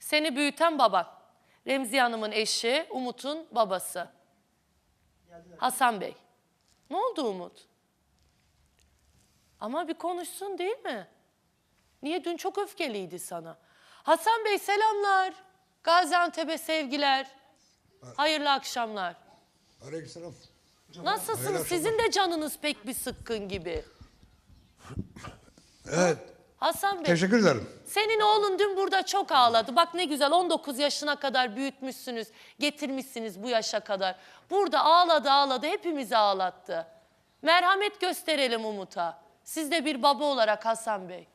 Seni büyüten baban. Remziye Hanım'ın eşi, Umut'un babası. Hasan Bey. Ne oldu Umut? Ama bir konuşsun değil mi? Niye? Dün çok öfkeliydi sana. Hasan Bey selamlar. Gaziantep'e sevgiler. Hayırlı akşamlar. Aleykümselam. Nasılsınız? Sizin de canınız pek bir sıkkın gibi. Evet. Hasan Bey. Teşekkür ederim. Senin oğlun dün burada çok ağladı. Bak ne güzel 19 yaşına kadar büyütmüşsünüz. Getirmişsiniz bu yaşa kadar. Burada ağladı ağladı hepimizi ağlattı. Merhamet gösterelim Umut'a. Siz de bir baba olarak Hasan Bey.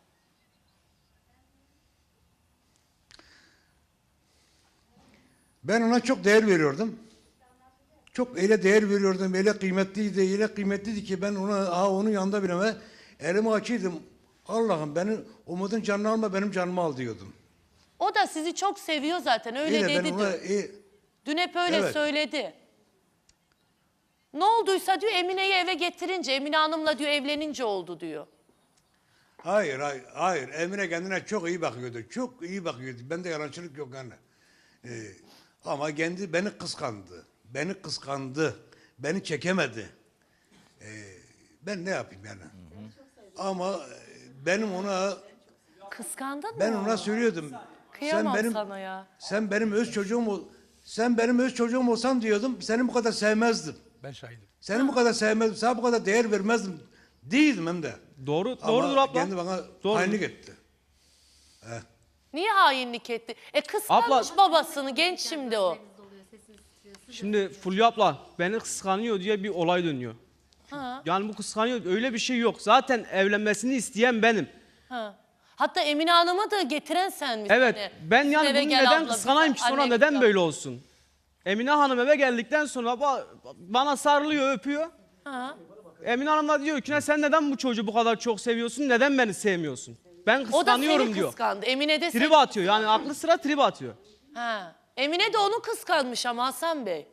Ben ona çok değer veriyordum. Çok öyle değer veriyordum, öyle kıymetliydi ki ben onun yanında bile elimi açıyordum. Allah'ım benim Umut'un canını alma, benim canımı al diyordum. O da sizi çok seviyor zaten öyle Yine dedi ben ona, dün. Dün hep öyle evet. söyledi. Ne olduysa diyor Emine'yi eve getirince, Emine Hanım'la diyor evlenince oldu diyor. Hayır. Emine kendine çok iyi bakıyordu. Çok iyi bakıyordu. Bende yalancılık yok yani. Ama kendi beni kıskandı. Beni çekemedi. Ben ne yapayım yani? Ama benim ona... Kıskandın mı? Ben ona söylüyordum. Kıyamam sana ya. Sen benim öz çocuğum olsan diyordum. Seni bu kadar sevmezdim. Ben şahidim. Seni bu kadar sevmezdim. Sana bu kadar değer vermezdim. Değildim hem de. Doğrudur abla. Kendi bana hainlik etti. Niye hainlik etti? Kıskanmış Abla- babasını genç şimdi o. Şimdi Fulya abla beni kıskanıyor diye bir olay dönüyor. Ha, Yani bu kıskanıyor öyle bir şey yok. Zaten evlenmesini isteyen benim. ha. Hatta Emine Hanım'ı da getiren sen misin? Evet Hani, ben bizim yani eve bunu gel neden abla, kıskanayım ki bizim sonra annemiz neden var. böyle olsun? Emine Hanım eve geldikten sonra bana sarılıyor öpüyor. Ha. Emine Hanım da diyor ki sen neden bu çocuğu bu kadar çok seviyorsun? Neden beni sevmiyorsun? Ben O da kıskanıyorum seni diyor. kıskandı. Emine de seni... Trip atıyor yani aklı sıra trip atıyor. Ha. Emine de onu kıskanmış ama Hasan Bey.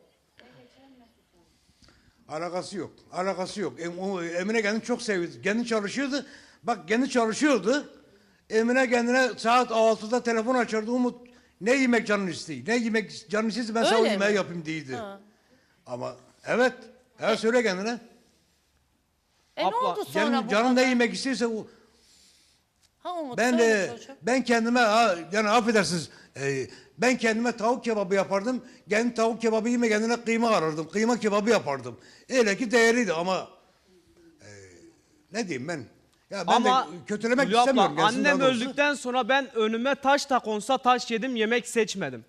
Alakası yok. Emine kendini çok seviyordu. Kendi çalışıyordu. Bak kendi çalışıyordu. Emine kendine saat 6'da telefon açardı. Umut ne yemek canını istiyor? Ne yemek canını istiyorsa ben sana o Öyle yemeği mi? yapayım diydi. Ha. Ama evet. Söyle kendine. Ne Abla, oldu sonra bu Canın ne kadar? yemek istiyorsa Ha Umut ben söyle çocuğum. ben kendime yani affedersiniz ben kendime tavuk kebabı yapardım. Kendi tavuk kebabı yeme kendine kıyma arardım. Kıyma kebabı yapardım. Öyle ki değerliydi ama ne diyeyim ben? Ya ben Ama de kötülemek Fulya abla, istemiyorum. gelsin annem daha doğrusu. öldükten sonra ben önüme taş da konsa taş yedim yemek seçmedim.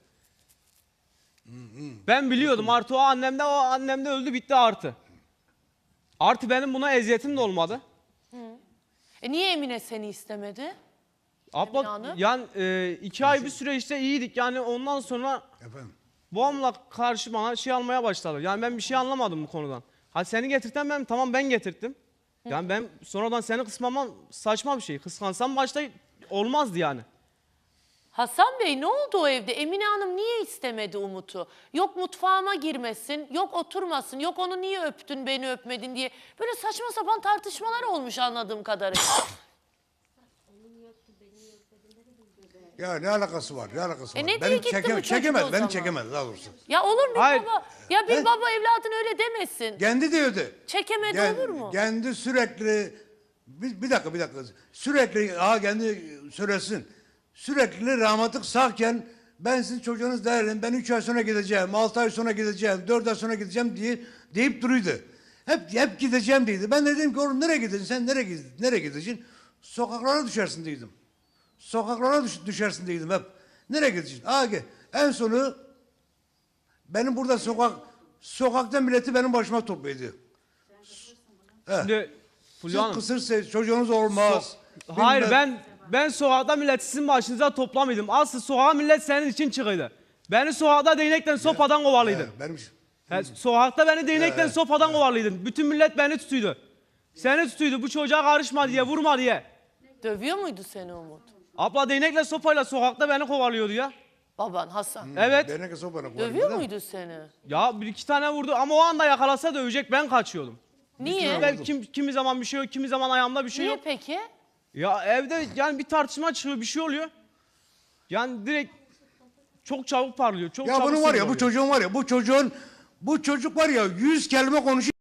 Ben biliyordum artı o annemde öldü bitti artı. Artı benim buna eziyetim de olmadı. Niye Emine seni istemedi? Emine Abla Hanım? yani 2 ay bir süre işte iyiydik yani ondan sonra Efendim. babamla karşı bana şey almaya başladı. Yani ben bir şey anlamadım bu konudan. Hadi seni getirten ben tamam ben getirttim. Yani ben sonradan seni kısmamam saçma bir şey. Kıskansam başta olmazdı yani. Hasan Bey ne oldu o evde? Emine Hanım niye istemedi Umut'u? Yok mutfağıma girmesin, yok oturmasın, yok onu niye öptün beni öpmedin diye. Böyle saçma sapan tartışmalar olmuş anladığım kadarıyla. Ya ne alakası var? Ne alakası var? ne diye gitti bu çocuk o zaman? Beni çekemedi daha doğrusu. Ya olur mu Hayır. baba? Ya bir He? baba evladın öyle demesin. Kendi diyordu. Çekemedi olur mu? Kendi sürekli bir dakika. Sürekli kendi söylesin. Sürekli rahmetlik sağken ben sizin çocuğunuz değerliyim. Ben 3 ay sonra gideceğim, 6 ay sonra gideceğim, 4 ay sonra gideceğim deyip duruyordu. Hep gideceğim dedi. Ben de dedim ki oğlum nereye gideceksin? Sen nereye gideceksin? Sokaklara düşersin dedim. Sokaklara düşersin dedim hep. Nereye gideceksin? En sonu benim burada sokakta milleti benim başıma topluyordu. Şimdi Fulya Siz Hanım. kısırsa çocuğunuz olmaz. Hayır Bilmem- ben sokakta millet sizin başınıza toplamıyordum. Aslı sokağa millet senin için çıkıydı. Beni sokakta değnekten sopadan kovalıydın. Benim Sokakta beni değnekten sopadan kovalıydın. Bütün millet beni tutuydu. Seni tutuydu bu çocuğa karışma diye vurma diye. Dövüyor muydu seni Umut? Abla değnekle sopayla sokakta beni kovalıyordu ya. Baban Hasan. Evet. Beni sopana Dövüyor muydu seni? Ya bir iki tane vurdu ama o anda yakalasa dövecek ben kaçıyordum. Niye? Ben kimi zaman bir şey yok kimi zaman ayağımda bir şey Niye yok. peki? Ya evde yani bir tartışma çıkıyor bir şey oluyor. Yani direkt çok çabuk parlıyor. Çok Ya çabuk bunun var ya, sinir bu oluyor. çocuğun var ya, bu çocuk var ya 100 kelime konuşuyor.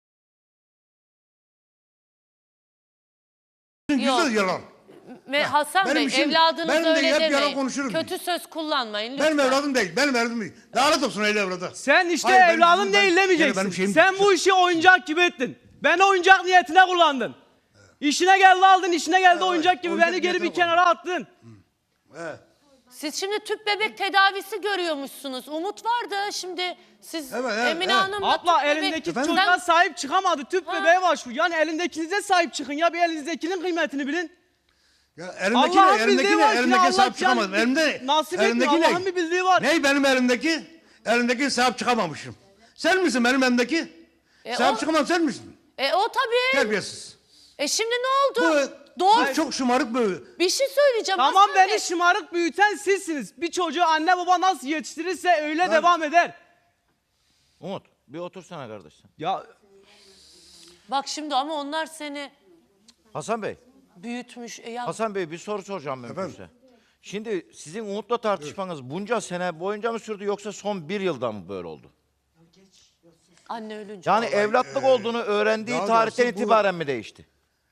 Güzel yalan. Hasan benim Bey, işim- evladınız ben de öyle hep yalan demeyin. konuşurum. Kötü söz kullanmayın lütfen. Benim evladım değil, benim evladım değil. Lanet olsun öyle evladı. Sen işte Hayır, benim evladım kızım, değil benim demeyeceksin. şeyim- Sen bu işi oyuncak gibi ettin. Beni oyuncak niyetine kullandın. İşine geldi aldın, işine geldi oyuncak gibi oyuncak beni geri bir niyetine kenara attın. Evet. Siz şimdi tüp bebek tedavisi görüyormuşsunuz. Umut vardı. Şimdi siz Evet, evet, Emine evet. Hanım'la Abla tüp bebek... elindeki Efendim? çocuğa sahip çıkamadı. Tüp Ha. bebeğe başvur. Yani elindekinize sahip çıkın ya, bir elinizdekinin kıymetini bilin. Ya Allah'ın bildiği var ki elimdeki Allah sahip çıkamadım. yani Elimde, nasip etmiyor, elimdeki ne? Allah'ın bir bildiği var. Ne benim elimdeki? Elimdeki sahip çıkamamışım. Sen misin benim elimdeki? Sahip o- çıkamam, sen misin? O tabii. Terbiyesiz. Şimdi ne oldu? Bu Doğru. çok şımarık bir... Bir şey söyleyeceğim. Tamam, Hasan Bey. beni şımarık büyüten sizsiniz. Bir çocuğu anne baba nasıl yetiştirirse öyle devam eder. Umut bir otursana kardeşim. Ya Bak şimdi ama onlar seni Hasan Bey. büyütmüş. Ya Hasan Bey bir soru soracağım ben Efendim? size. Şimdi sizin Umut'la tartışmanız bunca sene boyunca mı sürdü yoksa son bir yılda mı böyle oldu? anne ölünce. Yani evlatlık olduğunu öğrendiği daha tarihten doğrusu bu- itibaren mi değişti?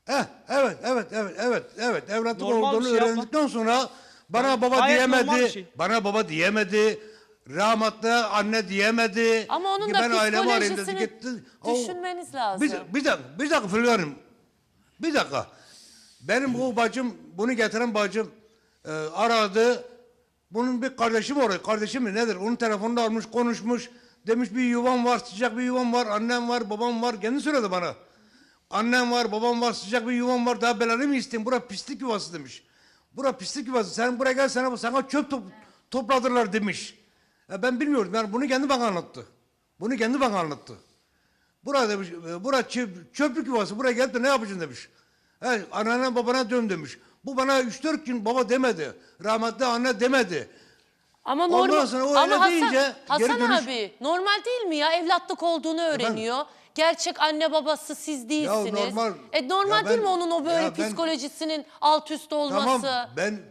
Evet. Evlatlık Normal bir olduğunu şey yapma. öğrendikten sonra bana baba Gayet normal bir diyemedi. şey. Bana baba diyemedi. Rahmetli anne diyemedi. Ama onun Ki da ben ailemi arayayım dedi, psikolojisini gitti. O- düşünmeniz lazım. Bir dakika Fulya Hanım. Bir dakika. Benim bu bacım, bunu getiren bacım aradı. Bunun bir kardeşi mi oraya? Kardeşi mi nedir? Onun telefonunu almış, konuşmuş. Demiş bir yuvam var, sıcak bir yuvam var. Annem var, babam var. Kendi söyledi bana. Annem var, babam var, sıcak bir yuvam var. Daha belanı mı isteyeyim? Bura pislik yuvası demiş. Bura pislik yuvası. Sen buraya gel, sana çöp topladırlar demiş. Ben bilmiyordum. Yani bunu kendi bana anlattı. Bunu kendi bana anlattı. Bura demiş, bura çöplük yuvası. Buraya gelip de ne yapacaksın demiş. Anneanne babana dön demiş. Bu bana 3-4 gün baba demedi. Rahmetli anne demedi. Ama Ondan normal. sonra o Ama öyle Hasan, deyince Hasan geri dönüş- abi normal değil mi ya? Evlatlık olduğunu öğreniyor. Gerçek anne babası siz değilsiniz. normal. Normal Ya değil ben- mi onun o böyle ya ben- psikolojisinin alt üst olması? Tamam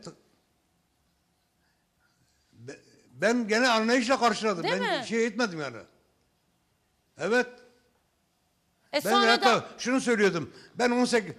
ben gene anlayışla karşıladım. Değil Ben mi? şey etmedim yani. Evet. Ben Sonra hatta da şunu söylüyordum. Ben 18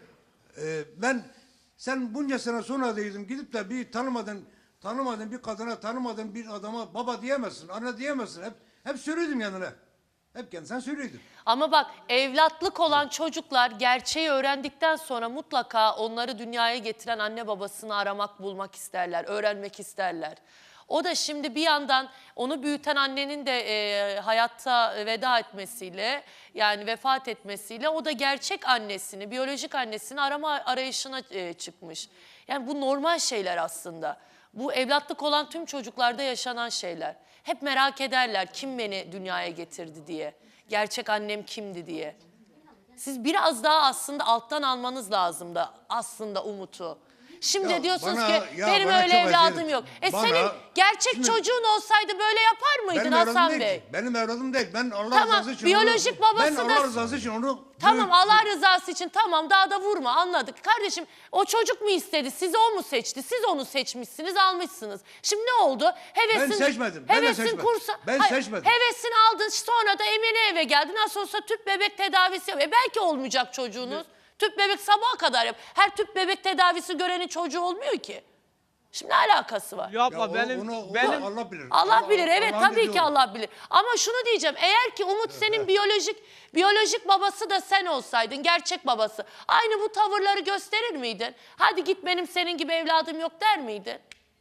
sen bunca sene sonra dedim gidip de bir tanımadığın bir kadına, tanımadığın bir adama baba diyemezsin, anne diyemezsin. Hep söylüyordum yanına. Sen söylüyordun. ama bak evlatlık olan çocuklar gerçeği öğrendikten sonra mutlaka onları dünyaya getiren anne babasını aramak, bulmak isterler, öğrenmek isterler. O da şimdi bir yandan onu büyüten annenin de hayatta veda etmesiyle yani vefat etmesiyle o da gerçek annesini, biyolojik annesini arayışına çıkmış. Yani bu normal şeyler aslında. Bu evlatlık olan tüm çocuklarda yaşanan şeyler. Hep merak ederler kim beni dünyaya getirdi diye. Gerçek annem kimdi diye. Siz biraz daha aslında alttan almanız lazım da aslında Umut'u. Şimdi Ya diyorsunuz bana- ki ya benim bana öyle çok evladım acı- yok. bana- Senin gerçek Şimdi- çocuğun olsaydı böyle yapar mıydın Benim Hasan evladım Bey? değil. Benim evladım değil. Ben Allah Tamam, rızası için biyolojik babası ben da- Allah rızası için onu Tamam Allah rızası için tamam daha da vurma anladık. Kardeşim o çocuk mu istedi sizi o mu seçti? Siz onu seçmişsiniz almışsınız. Şimdi ne oldu? Hevesin, Ben seçmedim, ben de hevesin seçmedim. kursa, Ben Hayır, seçmedim. Hevesini aldın sonra da Emine eve geldin. Nasıl olsa tüp bebek tedavisi yap. Belki olmayacak çocuğunuz. Tüp bebek sabaha kadar yap. Her tüp bebek tedavisi görenin çocuğu olmuyor ki. Şimdi ne alakası var? yapma Ya o- benim onu benim Allah bilir. Allah bilir evet Allah'ın tabii ki dediği o. Allah bilir. Ama şunu diyeceğim eğer ki Umut senin biyolojik babası da sen olsaydın gerçek babası aynı bu tavırları gösterir miydin? Hadi git benim senin gibi evladım yok der miydin?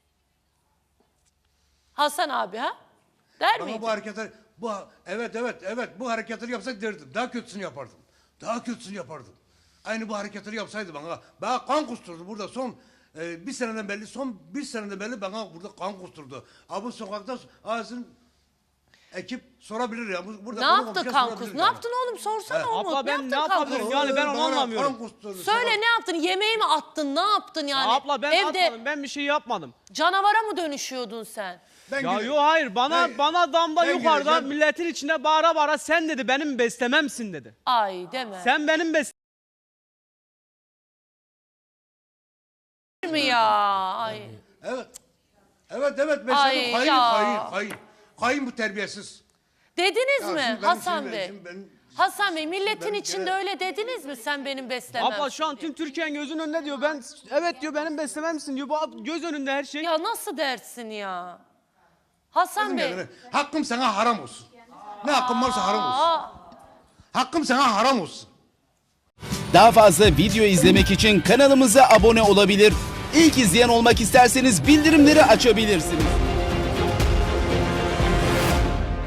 Hasan abi ha? Der Ama miydin? bu hareketler evet bu hareketleri yapsak derdim. Daha kötüsünü yapardım. Daha kötüsünü yapardım. Aynı bu hareketleri yapsaydı bana kan kusturdu burada bir seneden belli bana burada kan kusturdu. Abi sokakta ağzın ekip sorabilir ya. Burada Ne konu yaptı komşuya Kankus? sorabilir Ne yani. yaptın oğlum sorsana Umut. Abla ben ne yaptın Kankus? yapabilirim yani ben onu Bana anlamıyorum. kan kusturdu. Söyle ne yaptın? Yemeği mi attın? Ne yaptın yani? Abla ben Evde atmadım, ben bir şey yapmadım. canavara mı dönüşüyordun sen? Ben Ya gide- yok hayır bana damda ben yukarıda gideceğim. milletin içinde bağıra bağıra sen dedi benim beslememsin dedi. Ay deme. Sen benim mi ya? Ay. Evet. Evet besledim. Ay Hain, ya. hain. Hain bu terbiyesiz. Dediniz Ya mi şimdi Hasan Bey? şimdi ben- Hasan Bey milletin ben- içinde öyle dediniz mi sen benim beslemem? Abla şu an tüm Türkiye'nin gözünün önünde diyor. Ben evet diyor benim beslememsin diyor. Bu göz önünde her şey. Ya nasıl dersin ya? Hasan Bey. Yani hakkım sana haram olsun. Ne hakkım varsa haram olsun. Aa, Hakkım sana haram olsun. Daha fazla video izlemek için kanalımıza abone olabilir. İlk izleyen olmak isterseniz bildirimleri açabilirsiniz.